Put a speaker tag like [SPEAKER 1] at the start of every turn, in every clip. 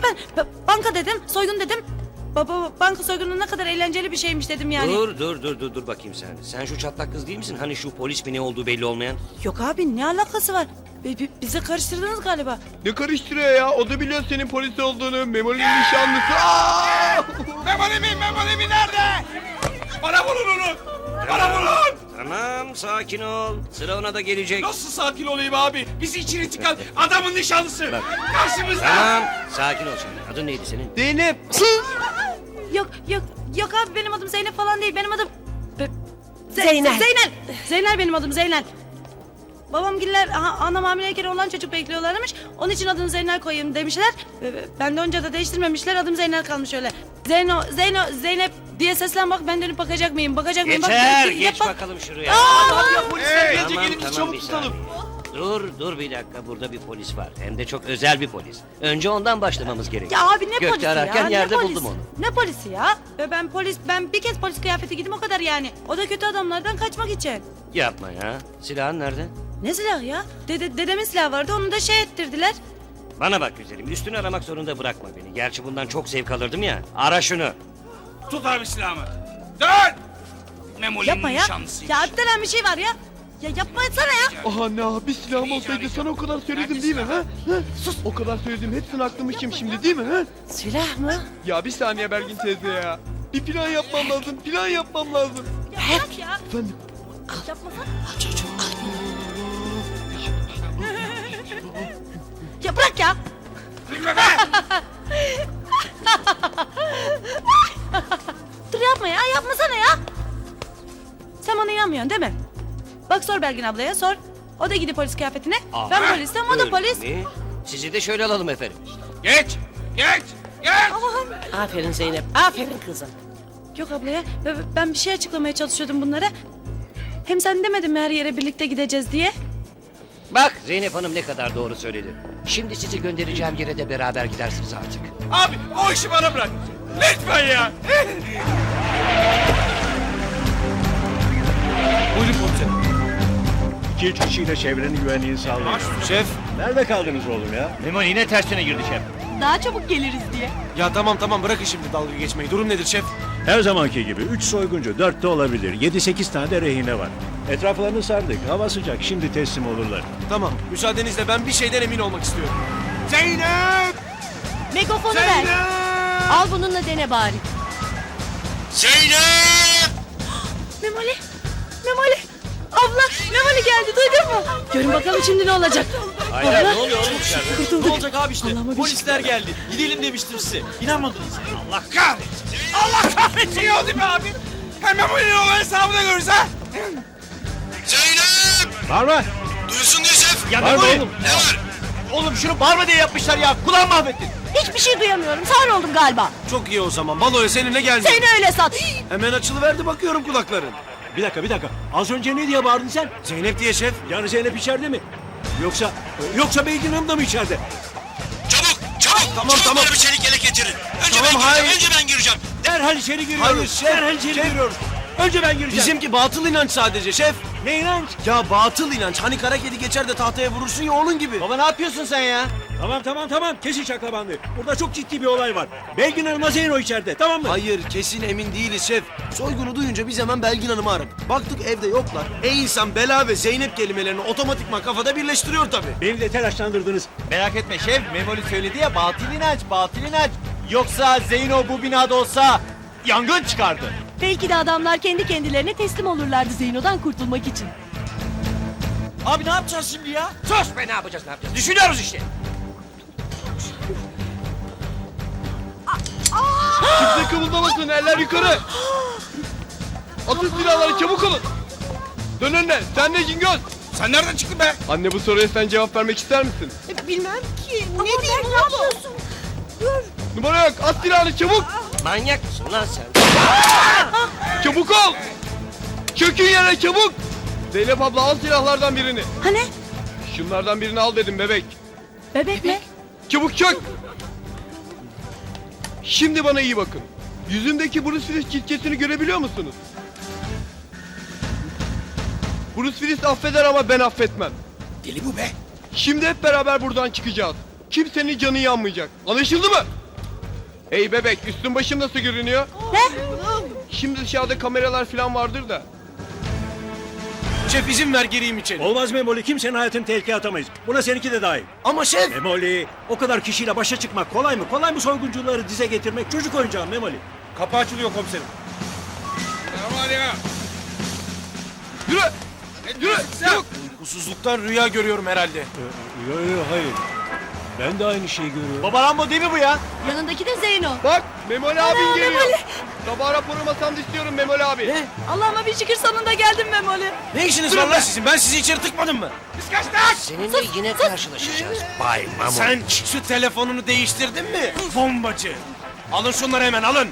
[SPEAKER 1] banka dedim, soygun dedim. Baba banka soygunu ne kadar eğlenceli bir şeymiş dedim yani.
[SPEAKER 2] Dur bakayım sen. Sen şu çatlak kız değil misin? Hani şu polis mi ne olduğu belli olmayan?
[SPEAKER 1] Yok abi ne alakası var? Bizi karıştırdınız galiba.
[SPEAKER 3] Ne karıştırıyor ya? O da biliyor senin polis olduğunu. Memoli'nin nişanlısı. Aa!
[SPEAKER 4] Memoli nerede? Bana bulun onu. Bana bulun.
[SPEAKER 2] Tamam sakin ol. Sıra ona da gelecek.
[SPEAKER 4] Nasıl sakin olayım abi? Bizi içine çıkan adamın nişanlısı. Karşımızda.
[SPEAKER 2] Tamam sakin ol şimdi. Adın neydi senin?
[SPEAKER 3] Zeynep.
[SPEAKER 1] Yok abi benim adım Zeynep falan değil. Benim adım...
[SPEAKER 5] Zeynel.
[SPEAKER 1] Zeynel benim adım Zeynel. Babamgiller anam hamileyken olan çocuk bekliyorlarmış. Onun için adını Zeynel koyayım demişler. Ben de önce de değiştirmemişler. Adım Zeynel kalmış öyle. Zeynep diye seslen bak, ben dönüp bakacak mıyım? Bakacak mıyım?
[SPEAKER 2] Geçer.
[SPEAKER 1] Bak,
[SPEAKER 2] Geç
[SPEAKER 1] bak.
[SPEAKER 2] bakalım şuraya.
[SPEAKER 4] Hadi ya polisler gelince
[SPEAKER 2] Tamam,
[SPEAKER 4] gelin biz
[SPEAKER 2] tamam,
[SPEAKER 4] çabuk
[SPEAKER 2] bir
[SPEAKER 4] tutalım.
[SPEAKER 2] Dur bir dakika. Burada bir polis var. Hem de çok özel bir polis. Önce ondan başlamamız gerekiyor.
[SPEAKER 1] Ya abi ne
[SPEAKER 2] Gökte
[SPEAKER 1] polisi ya?
[SPEAKER 2] ararken
[SPEAKER 1] Ne
[SPEAKER 2] yerde
[SPEAKER 1] polisi?
[SPEAKER 2] buldum onu.
[SPEAKER 1] Ne polisi ya? Ben bir kez polis kıyafeti giydim o kadar yani. O da kötü adamlardan kaçmak için.
[SPEAKER 2] Yapma ya. Silahın nerede?
[SPEAKER 1] Ne silah ya? Dedemin silahı vardı, onu da şey ettirdiler.
[SPEAKER 2] Bana bak güzelim. Üstünü aramak zorunda bırakma beni. Gerçi bundan çok zevk alırdım ya. Ara şunu.
[SPEAKER 4] Tut abi silahımı. Dön. Memoli'nin
[SPEAKER 1] Yapma ya.
[SPEAKER 4] nişanlısıymış.
[SPEAKER 1] Ya öptelen bir şey var ya. Ya yapma etsene ya.
[SPEAKER 3] Aha ne abi, silahım olsaydı sana o kadar söyledim değil mi? Ha? Sus. O kadar söyledim, hepsini aklamışım şimdi değil mi? Ha?
[SPEAKER 1] Silah mı?
[SPEAKER 3] Ya bir saniye Belgin teyze ya. Bir plan yapmam lazım, plan yapmam lazım.
[SPEAKER 1] Ya bırak ya.
[SPEAKER 3] Efendim?
[SPEAKER 1] Yapmasana. Ya bırak ya. Dur yapma ya, yapmasana ya. Sen bana inanmıyorsun değil mi? Bak sor Belgin ablaya, sor. O da gidiyor polis kıyafetine. Ben polisim, o da
[SPEAKER 2] Öyle
[SPEAKER 1] polis.
[SPEAKER 2] mi? Sizi de şöyle alalım efendim.
[SPEAKER 4] Geç.
[SPEAKER 5] Aferin Zeynep, aferin kızım.
[SPEAKER 1] Yok abla ya, ben bir şey açıklamaya çalışıyordum bunlara. Hem sen demedin mi her yere birlikte gideceğiz diye?
[SPEAKER 2] Bak Zeynep Hanım ne kadar doğru söyledi. Şimdi sizi göndereceğim yere de beraber gidersiniz artık.
[SPEAKER 4] Abi o işi bana bırak. Lütfen ya. Buyurun komiserim.
[SPEAKER 6] 2-3 kişiyle çevrenin güvenliğini sağlayın.
[SPEAKER 4] Şef.
[SPEAKER 6] Nerede kaldınız oğlum ya?
[SPEAKER 7] Memoli yine tersine girdi şef.
[SPEAKER 1] Daha çabuk geliriz diye.
[SPEAKER 4] Ya tamam bırakın şimdi dalga geçmeyi. Durum nedir şef?
[SPEAKER 6] Her zamanki gibi 3 soyguncu, 4 de olabilir. 7-8 tane de rehine var. Etraflarını sardık. Hava sıcak. Şimdi teslim olurlar.
[SPEAKER 4] Tamam müsaadenizle ben bir şeyden emin olmak istiyorum. Zeynep!
[SPEAKER 5] Megafonu ver. Al bununla dene bari.
[SPEAKER 4] Zeynep!
[SPEAKER 1] Memoli! Abla! Memoli geldi, duydun mu? Görün bakalım şimdi ne olacak.
[SPEAKER 2] Hayır ne oluyor oğlum içeride?
[SPEAKER 1] Kurtulduk.
[SPEAKER 8] Ne olacak abi işte?
[SPEAKER 1] Allah'ıma bir
[SPEAKER 8] Polisler geldi. Gidelim demiştim size. İnanmadınız.
[SPEAKER 4] Allah kahretsin! Allah kahretsin ya değil mi abi? Hemen bu yine o hesabını görürüz ha! Zeynep!
[SPEAKER 6] Bağırma!
[SPEAKER 4] Duysun diye şef!
[SPEAKER 8] Ya
[SPEAKER 6] Bağırma
[SPEAKER 8] Memoli!
[SPEAKER 6] oğlum!
[SPEAKER 4] Ne var?
[SPEAKER 8] Oğlum şunu bağırma diye yapmışlar ya. Kulağımı mahvettin.
[SPEAKER 5] Hiçbir şey duyamıyorum, sağır oldum galiba.
[SPEAKER 4] Çok iyi o zaman. Baloya seninle gelmiyor.
[SPEAKER 5] Seni öyle sat.
[SPEAKER 4] Hemen açılıverdi bakıyorum kulakların.
[SPEAKER 6] Bir dakika. Az önce ne diye bağırdın sen?
[SPEAKER 4] Zeynep diye şef.
[SPEAKER 6] Yani Zeynep içeride mi? Yoksa Belgin Hanım da mı içeride?
[SPEAKER 4] Tamam.
[SPEAKER 7] Bir çelik yelek getirin.
[SPEAKER 4] Tamam hayır.
[SPEAKER 7] Ben gireceğim.
[SPEAKER 6] Derhal içeri giriyoruz.
[SPEAKER 4] Hayır, şef,
[SPEAKER 6] Derhal içeri
[SPEAKER 4] şef.
[SPEAKER 6] giriyoruz. Önce ben gireceğim.
[SPEAKER 4] Bizimki batıl inanç sadece şef.
[SPEAKER 6] Ne inanç?
[SPEAKER 4] Ya batıl inanç. Hani kara kedi geçer de tahtaya vurursun ya onun gibi.
[SPEAKER 8] Baba ne yapıyorsun sen ya?
[SPEAKER 6] Tamam. Kesin şaklabandı. Burada çok ciddi bir olay var. Belgin Hanım'la Zeyno içeride. Tamam mı?
[SPEAKER 4] Hayır kesin emin değiliz şef. Soygunu duyunca biz hemen Belgin Hanım'ı aradık. Baktık evde yoklar. İnsan Bela ve Zeynep kelimelerini otomatikman kafada birleştiriyor tabii.
[SPEAKER 6] Beni de telaşlandırdınız.
[SPEAKER 8] Merak etme şef. Memoli söyledi ya batıl inanç. Yoksa Zeyno bu binada olsa yangın çıkardı.
[SPEAKER 5] Belki de adamlar kendi kendilerine teslim olurlardı Zeyno'dan kurtulmak için.
[SPEAKER 8] Abi ne yapacağız şimdi ya?
[SPEAKER 2] Sus be ne yapacağız? Düşünüyoruz işte.
[SPEAKER 3] Kimse kımıldamasın, eller yukarı. Atın silahları, çabuk olun. Dön önüne, sen ne Cingöz?
[SPEAKER 4] Sen nereden çıktın be?
[SPEAKER 3] Anne bu soruya sen cevap vermek ister misin?
[SPEAKER 5] Bilmem ki. Ne diyeyim, ne yapıyorsun?
[SPEAKER 3] Numara yok, at silahını çabuk.
[SPEAKER 2] Manyak mısın lan sen?
[SPEAKER 3] Çabuk ol. Çökün yere çabuk. Zeynep abla al silahlardan birini.
[SPEAKER 1] Hani?
[SPEAKER 3] Şunlardan birini al dedim bebek.
[SPEAKER 1] Bebek mi?
[SPEAKER 3] Çabuk çök. Şimdi bana iyi bakın. Yüzümdeki Bruce Willis çizgisini görebiliyor musunuz? Bruce Willis affeder ama ben affetmem.
[SPEAKER 4] Deli bu be.
[SPEAKER 3] Şimdi hep beraber buradan çıkacağız. Kimsenin canı yanmayacak. Anlaşıldı mı? Hey bebek, üstün başın nasıl görünüyor?
[SPEAKER 1] Ne?
[SPEAKER 3] Şimdi dışarıda kameralar falan vardır da.
[SPEAKER 4] Şef izin ver gireyim içeri.
[SPEAKER 6] Olmaz Memoli, kimsenin hayatını tehlikeye atamayız. Buna seninki de dahil.
[SPEAKER 4] Ama şef.
[SPEAKER 6] Memoli, o kadar kişiyle başa çıkmak kolay mı? Kolay mı soyguncuları dize getirmek? Çocuk oyuncağı Memoli.
[SPEAKER 3] Kapı açılıyor komiserim. Yürü! Yürü! Yok!
[SPEAKER 4] Uykusuzluktan rüya görüyorum herhalde.
[SPEAKER 6] Yok hayır. Ben de aynı şeyi görüyorum.
[SPEAKER 8] Baba Rambo değil mi bu ya?
[SPEAKER 5] Yanındaki de Zeyno.
[SPEAKER 3] Bak Memoli abin geliyor.
[SPEAKER 1] Memoli.
[SPEAKER 3] Sabah raporu masamda istiyorum Memoli abi.
[SPEAKER 4] Ne?
[SPEAKER 1] Allah'ıma bir şükür sonunda geldim Memoli.
[SPEAKER 4] Ne işiniz var lan sizin? Ben sizi içeri tıkmadım mı?
[SPEAKER 2] Seninle yine karşılaşacağız. Bay Mamon.
[SPEAKER 4] Sen şu telefonunu değiştirdin mi? Bombacı. Alın şunları hemen alın.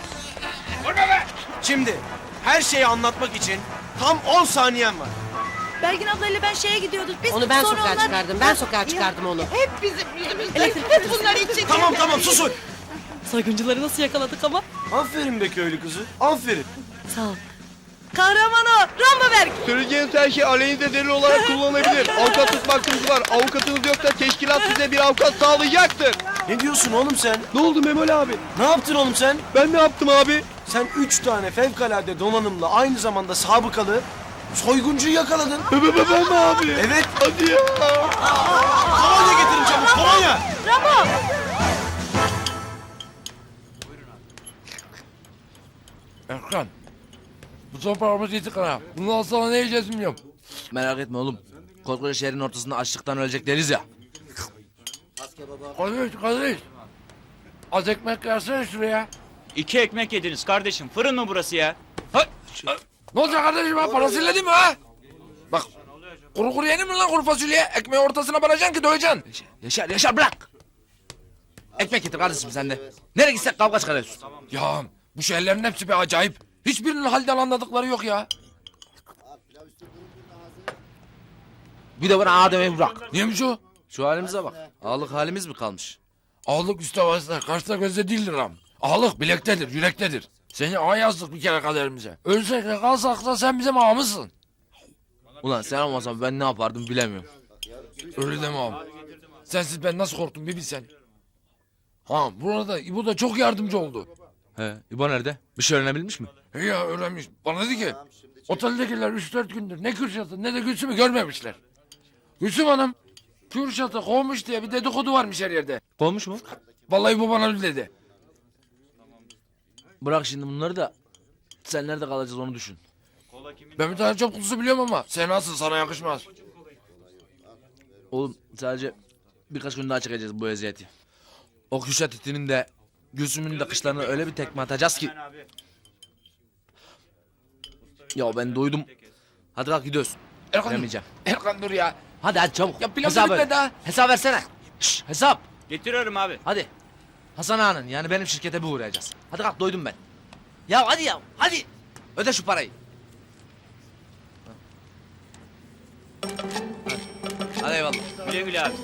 [SPEAKER 4] Şimdi her şeyi anlatmak için tam 10 saniyen var.
[SPEAKER 1] Belgin ablayla ben şeye gidiyorduk. Biz
[SPEAKER 9] Onu ben
[SPEAKER 1] sonra
[SPEAKER 9] sokağa
[SPEAKER 1] onlar-
[SPEAKER 9] çıkardım. Ben sokağa çıkardım onu.
[SPEAKER 1] Hep bizim yüzümüzden. Hep bunlar için.
[SPEAKER 4] Tamam susun.
[SPEAKER 1] Soyguncuları nasıl yakaladık ama?
[SPEAKER 4] Aferin be köylü kızı. Aferin.
[SPEAKER 1] Sağ ol. Kahraman o. Rambo Berk.
[SPEAKER 3] Söyleyeceğiniz her şey aleyhinize delil olarak kullanılabilir. Avukat tutmak var. Avukatınız yoksa teşkilat size bir avukat sağlayacaktır.
[SPEAKER 4] Ne diyorsun oğlum sen?
[SPEAKER 3] Ne oldu Memoli abi?
[SPEAKER 4] Ne yaptın oğlum sen?
[SPEAKER 3] Ben ne yaptım abi?
[SPEAKER 4] Sen 3 tane fevkalade donanımla aynı zamanda sabıkalı soyguncuyu yakaladın.
[SPEAKER 3] Ben mi abi?
[SPEAKER 4] Evet.
[SPEAKER 3] Hadi ya.
[SPEAKER 4] Kolonya getirin çabuk kolonya.
[SPEAKER 1] Rambo.
[SPEAKER 10] Erkan. Bu toprağımız yedik ha. Bundan sonra ne yiyeceğiz bilmiyorum.
[SPEAKER 8] Merak etme oğlum. Koskoca şehrin ortasında açlıktan ölecek deriz ya.
[SPEAKER 10] Kardeş. Az ekmek versene şuraya.
[SPEAKER 7] 2 ekmek yediniz kardeşim. Fırın mı burası ya?
[SPEAKER 10] Ne olacak kardeşim ha? Parasıyla değil mi ha? Bak. Kuru kuru yenir mi lan kuru fasulye? Ekmeği ortasına banacaksın ki doyacaksın.
[SPEAKER 8] Yaşar bırak. Ekmek getir kardeşim sen de. Nereye gitsek kavga çıkarıyorsun.
[SPEAKER 10] Ya bu şeylerin hepsi bir acayip. Hiçbirinin halden anladıkları yok ya.
[SPEAKER 8] Bir de bana Adem'i bırak.
[SPEAKER 10] Niyeymiş o?
[SPEAKER 8] Şu halimize bak. Ağalık halimiz mi kalmış?
[SPEAKER 10] Ağalık üstte vasıta, karşıda gözde değildir am. Ağalık bilektedir, yürektedir. Seni ağa yazdık bir kere kaderimize. Ölsek de kalsak da sen bizim ağamızsın.
[SPEAKER 8] Ulan sen olmasan ben ne yapardım bilemiyorum.
[SPEAKER 10] Öyle deme ağam. Sensiz ben nasıl korktum bir bilsen. Ha burada İbo da çok yardımcı oldu.
[SPEAKER 8] He, İbo nerede? Bir şey öğrenebilmiş mi?
[SPEAKER 10] He ya öğrenmiş. Bana dedi ki oteldekiler 3-4 gündür ne Kürşat'ı ne de Gülsüm'ü görmemişler. Gülsüm Hanım Kürşat'ı kovmuş diye bir dedikodu varmış her yerde.
[SPEAKER 8] Kovmuş mu?
[SPEAKER 10] Vallahi bu bana öyle dedi.
[SPEAKER 8] Bırak şimdi bunları da sen nerede kalacağız onu düşün.
[SPEAKER 10] Ben bir tane çöp kutusu biliyorum ama sen nasıl sana yakışmaz.
[SPEAKER 8] Oğlum sadece birkaç gün daha çekeceğiz bu eziyeti. O Kürşat itinin de Gülsüm'ün de kışlarına öyle bir tekme atacağız ki. Ya ben doydum. Hadi kalk gidiyoruz.
[SPEAKER 10] Erkan,
[SPEAKER 8] Veremeyeceğim.
[SPEAKER 10] Erkan dur ya.
[SPEAKER 8] Hadi çabuk.
[SPEAKER 10] Ya pilav
[SPEAKER 8] Hesap ver.
[SPEAKER 10] bitmedi ha.
[SPEAKER 8] Hesap versene. Şşş, hesap.
[SPEAKER 7] Getiriyorum abi.
[SPEAKER 8] Hadi. Hasan Ağa'nın yani benim şirkete bir uğrayacağız. Hadi kalk doydum ben. Ya hadi. Öde şu parayı. Hadi eyvallah.
[SPEAKER 7] Güle güle abi.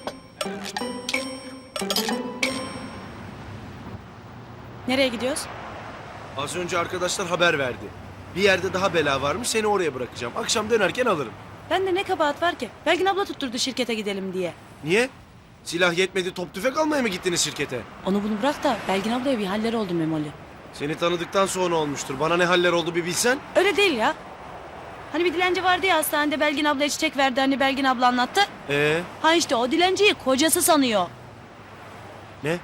[SPEAKER 1] Nereye gidiyoruz?
[SPEAKER 4] Az önce arkadaşlar haber verdi. Bir yerde daha bela varmış seni oraya bırakacağım. Akşam dönerken alırım.
[SPEAKER 1] Bende ne kabahat var ki? Belgin abla tutturdu şirkete gidelim diye.
[SPEAKER 4] Niye? Silah yetmedi top tüfek almaya mı gittiniz şirkete?
[SPEAKER 1] Onu bunu bırak da Belgin ablaya bir haller oldu Memoli.
[SPEAKER 4] Seni tanıdıktan sonra olmuştur. Bana ne haller oldu bir bilsen.
[SPEAKER 1] Öyle değil ya. Hani bir dilenci vardı ya hastanede Belgin ablaya çiçek verdi hani Belgin abla anlattı. Ha işte o dilenciyi kocası sanıyor.
[SPEAKER 4] Ne?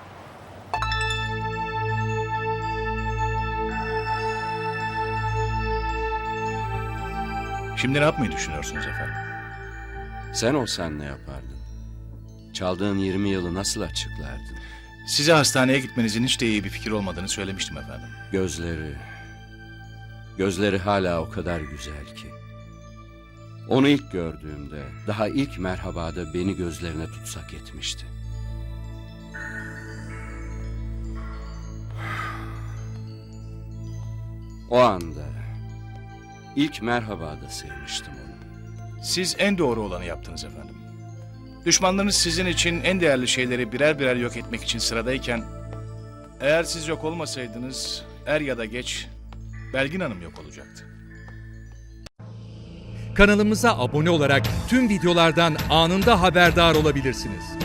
[SPEAKER 6] Şimdi ne yapmayı düşünüyorsunuz efendim?
[SPEAKER 11] Sen olsan ne yapardın? Çaldığın 20 yılı nasıl açıklardın?
[SPEAKER 6] Size hastaneye gitmenizin hiç de iyi bir fikir olmadığını söylemiştim efendim.
[SPEAKER 11] Gözleri hala o kadar güzel ki. Onu ilk gördüğümde, daha ilk merhabada beni gözlerine tutsak etmişti. O anda, ilk merhabada sevmiştim onu.
[SPEAKER 6] Siz en doğru olanı yaptınız efendim. Düşmanlarınız sizin için en değerli şeyleri birer birer yok etmek için sıradayken... ...eğer siz yok olmasaydınız er ya da geç Belgin Hanım yok olacaktı.
[SPEAKER 12] Kanalımıza abone olarak tüm videolardan anında haberdar olabilirsiniz.